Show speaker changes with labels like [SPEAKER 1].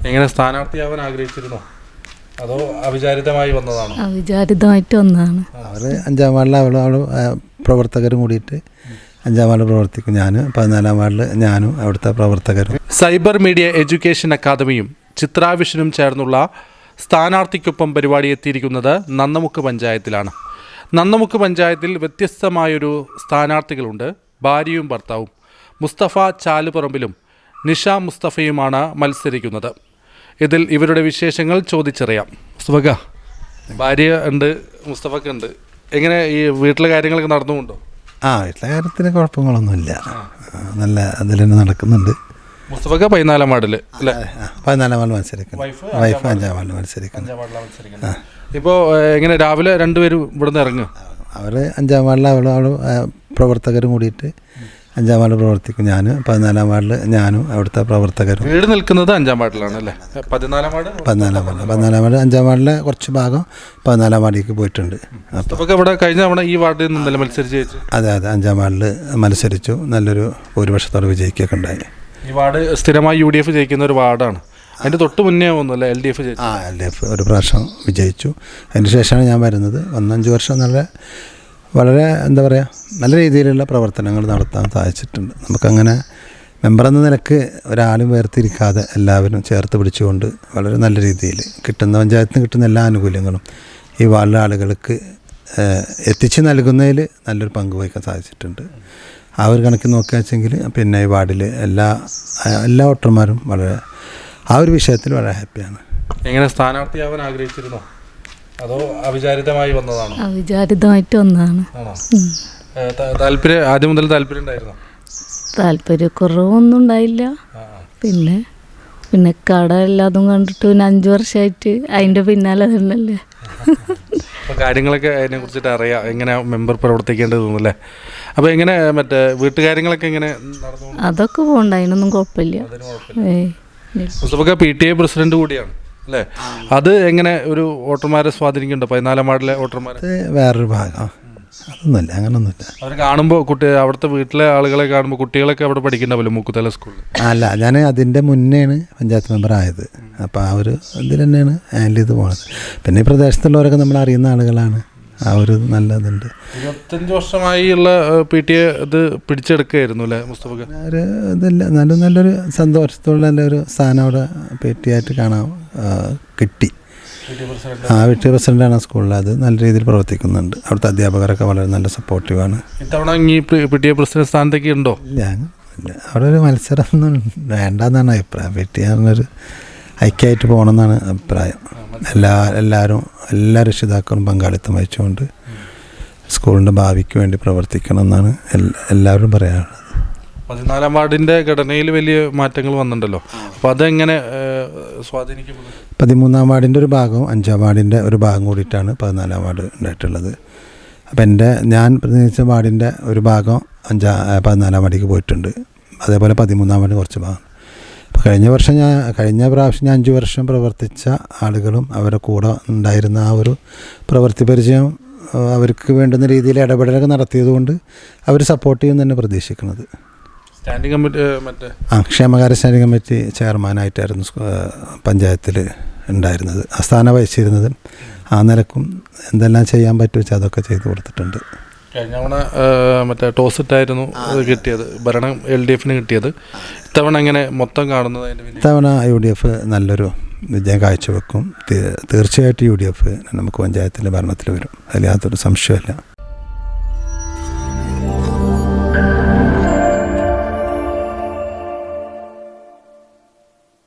[SPEAKER 1] എങ്ങനെ സ്ഥാനാർത്ഥിയാവാൻ ആഗ്രഹിച്ചിരുന്നോ അതോ അവിചാരിതമായി വന്നതാണോ?
[SPEAKER 2] അവിചാരിതമായിട്ട് വന്നതാണ്.
[SPEAKER 3] അവർ 5-ാം വാർഡിൽ അവൾ പ്രവർത്തകരും കൂടിയിട്ട് 5-ാം വാർഡിൽ പ്രവർത്തിക്കും. ഞാൻ 14-ാം വാർഡിൽ ഞാനും അവിടുത്തെ പ്രവർത്തകരും.
[SPEAKER 1] സൈബർ മീഡിയ എഡ്യൂക്കേഷൻ അക്കാദമിയും ചിത്രാവിഷനും ചേർന്നുള്ള സ്ഥാനാർത്ഥിക്കൊപ്പം പരിപാടി എത്തിയിരിക്കുന്നത് നന്നമുക്ക് പഞ്ചായത്തിലാണ്. നന്നമുക്ക് പഞ്ചായത്തിൽ വ്യത്യസ്തമായൊരു സ്ഥാനാർത്ഥികളുണ്ട്. ഭാര്യയും ഭർത്താവും മുസ്തഫ ചാലുപറമ്പിലും നിഷ മുസ്തഫയുമാണ് മത്സരിക്കുന്നത്. ഇതിൽ ഇവരുടെ വിശേഷങ്ങൾ ചോദിച്ചറിയാം. മുസ്തഫക്ക, ഭാര്യ ഉണ്ട്, മുസ്തഫക്ക ഉണ്ട്. എങ്ങനെ ഈ വീട്ടിലെ കാര്യങ്ങളൊക്കെ നടന്നുകൊണ്ടോ?
[SPEAKER 3] വീട്ടിലെ കാര്യത്തിന് കുഴപ്പങ്ങളൊന്നുമില്ല, നല്ല അതിൽ തന്നെ നടക്കുന്നുണ്ട്.
[SPEAKER 1] മുസ്തഫക്ക 14-ാം വാർഡിൽ അല്ലേ?
[SPEAKER 3] 14-ാം വാർഡിൽ മത്സരിക്കുന്നു. വൈഫ് 5-ാം വാർഡിൽ മത്സരിക്കുന്നു.
[SPEAKER 1] ഇപ്പോൾ എങ്ങനെ രാവിലെ രണ്ടുപേരും ഇവിടുന്ന് ഇറങ്ങും?
[SPEAKER 3] അവർ 5-ാം വാർഡിൽ അവൾ പ്രവർത്തകരും കൂടിയിട്ട് 5-ാം വാർഡിൽ പ്രവർത്തിക്കും. ഞാൻ 14-ാം വാർഡിൽ ഞാനും അവിടുത്തെ പ്രവർത്തകരും.
[SPEAKER 1] വീട് നിൽക്കുന്നത് 5-ാം വാർഡിലാണ് അല്ലേ? 14-ാം വാർഡ്
[SPEAKER 3] 14-ാം വാർഡ് 5-ാം വാർഡിലെ കുറച്ച് ഭാഗം 14-ാം വാർഡിലേക്ക് പോയിട്ടുണ്ട്.
[SPEAKER 1] അപ്പോൾ ഇവിടെ കഴിഞ്ഞ തവണ ഈ വാർഡിൽ നിന്നല്ലേ മത്സരിച്ച് ജയിച്ചു?
[SPEAKER 3] അതെ, 5-ാം വാർഡിൽ മത്സരിച്ചു. നല്ലൊരു ഭൂരിപക്ഷത്തോടെ വിജയിക്കുകയൊക്കെ ഉണ്ടായി.
[SPEAKER 1] ഈ വാർഡ് സ്ഥിരമായി UDF ജയിക്കുന്ന ഒരു വാർഡാണ്. അതിൻ്റെ തൊട്ട് മുന്നേ ഒന്നുമല്ല LDF ജയിച്ചു.
[SPEAKER 3] LDF ഒരു പ്രാവശ്യം വിജയിച്ചു. അതിന് ശേഷമാണ് ഞാൻ വരുന്നത്. 5 വർഷം വളരെ എന്താ പറയുക, നല്ല രീതിയിലുള്ള പ്രവർത്തനങ്ങൾ നടത്താൻ സാധിച്ചിട്ടുണ്ട്. നമുക്കങ്ങനെ മെമ്പർ എന്ന നിലക്ക് ഒരാളും വേർതിരിക്കാതെ എല്ലാവരും ചേർത്ത് പിടിച്ചുകൊണ്ട് വളരെ നല്ല രീതിയിൽ പഞ്ചായത്തിന് കിട്ടുന്ന എല്ലാ ആനുകൂല്യങ്ങളും ഈ വാർഡിലെ ആളുകൾക്ക് എത്തിച്ച് നൽകുന്നതിൽ നല്ലൊരു പങ്ക് വഹിക്കാൻ സാധിച്ചിട്ടുണ്ട്. ആ ഒരു കണക്കിൽ നോക്കുക വെച്ചെങ്കിൽ പിന്നെ ഈ വാർഡിൽ എല്ലാ വോട്ടർമാരും വളരെ ആ ഒരു വിഷയത്തിൽ വളരെ ഹാപ്പിയാണ്.
[SPEAKER 1] എങ്ങനെ സ്ഥാനാർത്ഥിയാവാൻ ആഗ്രഹിച്ചിരുന്നോ അതോ അവിചാരിതമായി വന്നതാണോ?
[SPEAKER 2] അവിചാരിതമായിട്ട് വന്നതാണ്.
[SPEAKER 1] താല്പര്യം ആദ്യം മുതൽ താല്പര്യം ഉണ്ടായിരുന്നോ?
[SPEAKER 2] താല്പര്യക്കുറവൊന്നും ഉണ്ടായില്ല. പിന്നെ കട എല്ലാതും കണ്ടിട്ട് 5 വർഷമായിട്ട് അതിൻ്റെ പിന്നാലെ തന്നെയല്ലേ.
[SPEAKER 1] അപ്പോൾ കാര്യങ്ങളൊക്കെ അതിനെ കുറിച്ചിട്ട് അറിയാം, എങ്ങനെ മെമ്പർ പ്രവർത്തിക്കേണ്ടതെന്നല്ലേ. അപ്പോൾ എങ്ങനെ മറ്റേ വീട്ടുകാര്യങ്ങളൊക്കെ എങ്ങനെ നടന്നു?
[SPEAKER 2] അതൊക്കെ പോകണ്ട, അതിനൊന്നും കുഴപ്പമില്ല.
[SPEAKER 1] മുസ്തഫക്ക PTA പ്രസിഡന്റ് കൂടിയാണ് അല്ലേ? അത് എങ്ങനെ ഒരു വോട്ടർമാരെ സ്വാധീനിക്കുന്നുണ്ടോ? 14-ാം വാർഡിലെ വോട്ടർമാരെ?
[SPEAKER 3] വേറൊരു ഭാഗം അതൊന്നുമില്ല, അങ്ങനൊന്നുമില്ല.
[SPEAKER 1] അവർ കാണുമ്പോൾ അവിടുത്തെ വീട്ടിലെ ആളുകളെ കാണുമ്പോൾ കുട്ടികളൊക്കെ അവിടെ പഠിക്കണ്ടാവല്ലോ മുക്കുതല സ്കൂളിൽ?
[SPEAKER 3] അല്ല, ഞാൻ അതിൻ്റെ മുന്നെയാണ് പഞ്ചായത്ത് മെമ്പർ ആയത്. അപ്പോൾ ആ ഒരു ഇതിൽ തന്നെയാണ് ഹാൻഡിൽ ചെയ്ത് പോകുന്നത്. പിന്നെ ഈ പ്രദേശത്തുള്ളവരൊക്കെ നമ്മൾ അറിയുന്ന ആളുകളാണ്. ആ ഒരു നല്ലതുണ്ട്.
[SPEAKER 1] 25 വർഷമായുള്ള PTA ഇത് പിടിച്ചെടുക്കുകയായിരുന്നു അല്ലേ മുസ്തഫക്ക?
[SPEAKER 3] ഒരു ഇതില്ല, നല്ലൊരു സന്തോഷത്തോടെ നല്ലൊരു സ്ഥാനം അവിടെ PTA ആയിട്ട് കാണാൻ കിട്ടി. PTA പ്രസിഡൻ്റാണ് സ്കൂളിൽ. അത് നല്ല രീതിയിൽ പ്രവർത്തിക്കുന്നുണ്ട്. അവിടുത്തെ അധ്യാപകരൊക്കെ വളരെ നല്ല സപ്പോർട്ടീവാണ്.
[SPEAKER 1] ഇത്തവണ ഈ PTA പ്രസിഡന്റ് സ്ഥാനത്തേക്ക് ഉണ്ടോ?
[SPEAKER 3] ഇല്ല, അവിടെ ഒരു മത്സരമൊന്നും വേണ്ടെന്നാണ് അഭിപ്രായം. PTA പറഞ്ഞൊരു ഐക്യമായിട്ട് പോകണമെന്നാണ് അഭിപ്രായം. എല്ലാ രക്ഷിതാക്കളും പങ്കാളിത്തം വഹിച്ചുകൊണ്ട് സ്കൂളിൻ്റെ ഭാവിക്ക് വേണ്ടി പ്രവർത്തിക്കണം എന്നാണ് എല്ലാവരും പറയാനുള്ളത്.
[SPEAKER 1] 14-ാം വാർഡിൻ്റെ ഘടനയിൽ വലിയ മാറ്റങ്ങൾ വന്നിട്ടുണ്ടല്ലോ. അപ്പോൾ അതെങ്ങനെ സ്വാധീനിക്കപ്പെടും?
[SPEAKER 3] 13-ാം വാർഡിൻ്റെ ഒരു ഭാഗവും 5-ാം വാർഡിൻ്റെ ഒരു ഭാഗം കൂടിയിട്ടാണ് 14-ാം വാർഡ് ഉണ്ടായിട്ടുള്ളത്. അപ്പോൾ ഞാൻ പ്രതിനിധിച്ച വാർഡിൻ്റെ ഒരു ഭാഗം 14-ാം വാർഡിലേക്ക് പോയിട്ടുണ്ട്. അതേപോലെ 13-ാം വാർഡ് കുറച്ച് ഭാഗം. അപ്പോൾ കഴിഞ്ഞ പ്രാവശ്യം ഞാൻ 5 വർഷം പ്രവർത്തിച്ച ആളുകളും അവരുടെ കൂടെ ഉണ്ടായിരുന്ന ആ ഒരു പ്രവൃത്തി പരിചയം അവർക്ക് വേണ്ടുന്ന രീതിയിൽ ഇടപെടലൊക്കെ നടത്തിയതുകൊണ്ട് അവർ സപ്പോർട്ട് ചെയ്യുമെന്ന് തന്നെ പ്രതീക്ഷിക്കുന്നത്.
[SPEAKER 1] സ്റ്റാൻഡിംഗ് കമ്മിറ്റി
[SPEAKER 3] ക്ഷേമകാര്യ സ്റ്റാൻഡിംഗ് കമ്മിറ്റി ചെയർമാനായിട്ടായിരുന്നു പഞ്ചായത്തിൽ ഉണ്ടായിരുന്നത്, സ്ഥാനം വഹിച്ചിരുന്നത്. ആ നിലക്കും എന്തെല്ലാം ചെയ്യാൻ പറ്റുമോ വെച്ചാൽ അതൊക്കെ ചെയ്തു കൊടുത്തിട്ടുണ്ട്.
[SPEAKER 1] കഴിഞ്ഞ തവണ ടോസ് ഇട്ടായിരുന്നു കിട്ടിയത്, ഭരണം LDFന് കിട്ടിയത്. ഇത്തവണ എങ്ങനെ മൊത്തം കാണുന്നത്?
[SPEAKER 3] ഇത്തവണ UDF നല്ലൊരു വിജയം കാഴ്ചവെക്കും. തീർച്ചയായിട്ടും UDF നമുക്ക് പഞ്ചായത്തിലെ ഭരണത്തിൽ വരും, അതിൽ യാതൊരു സംശയമില്ല.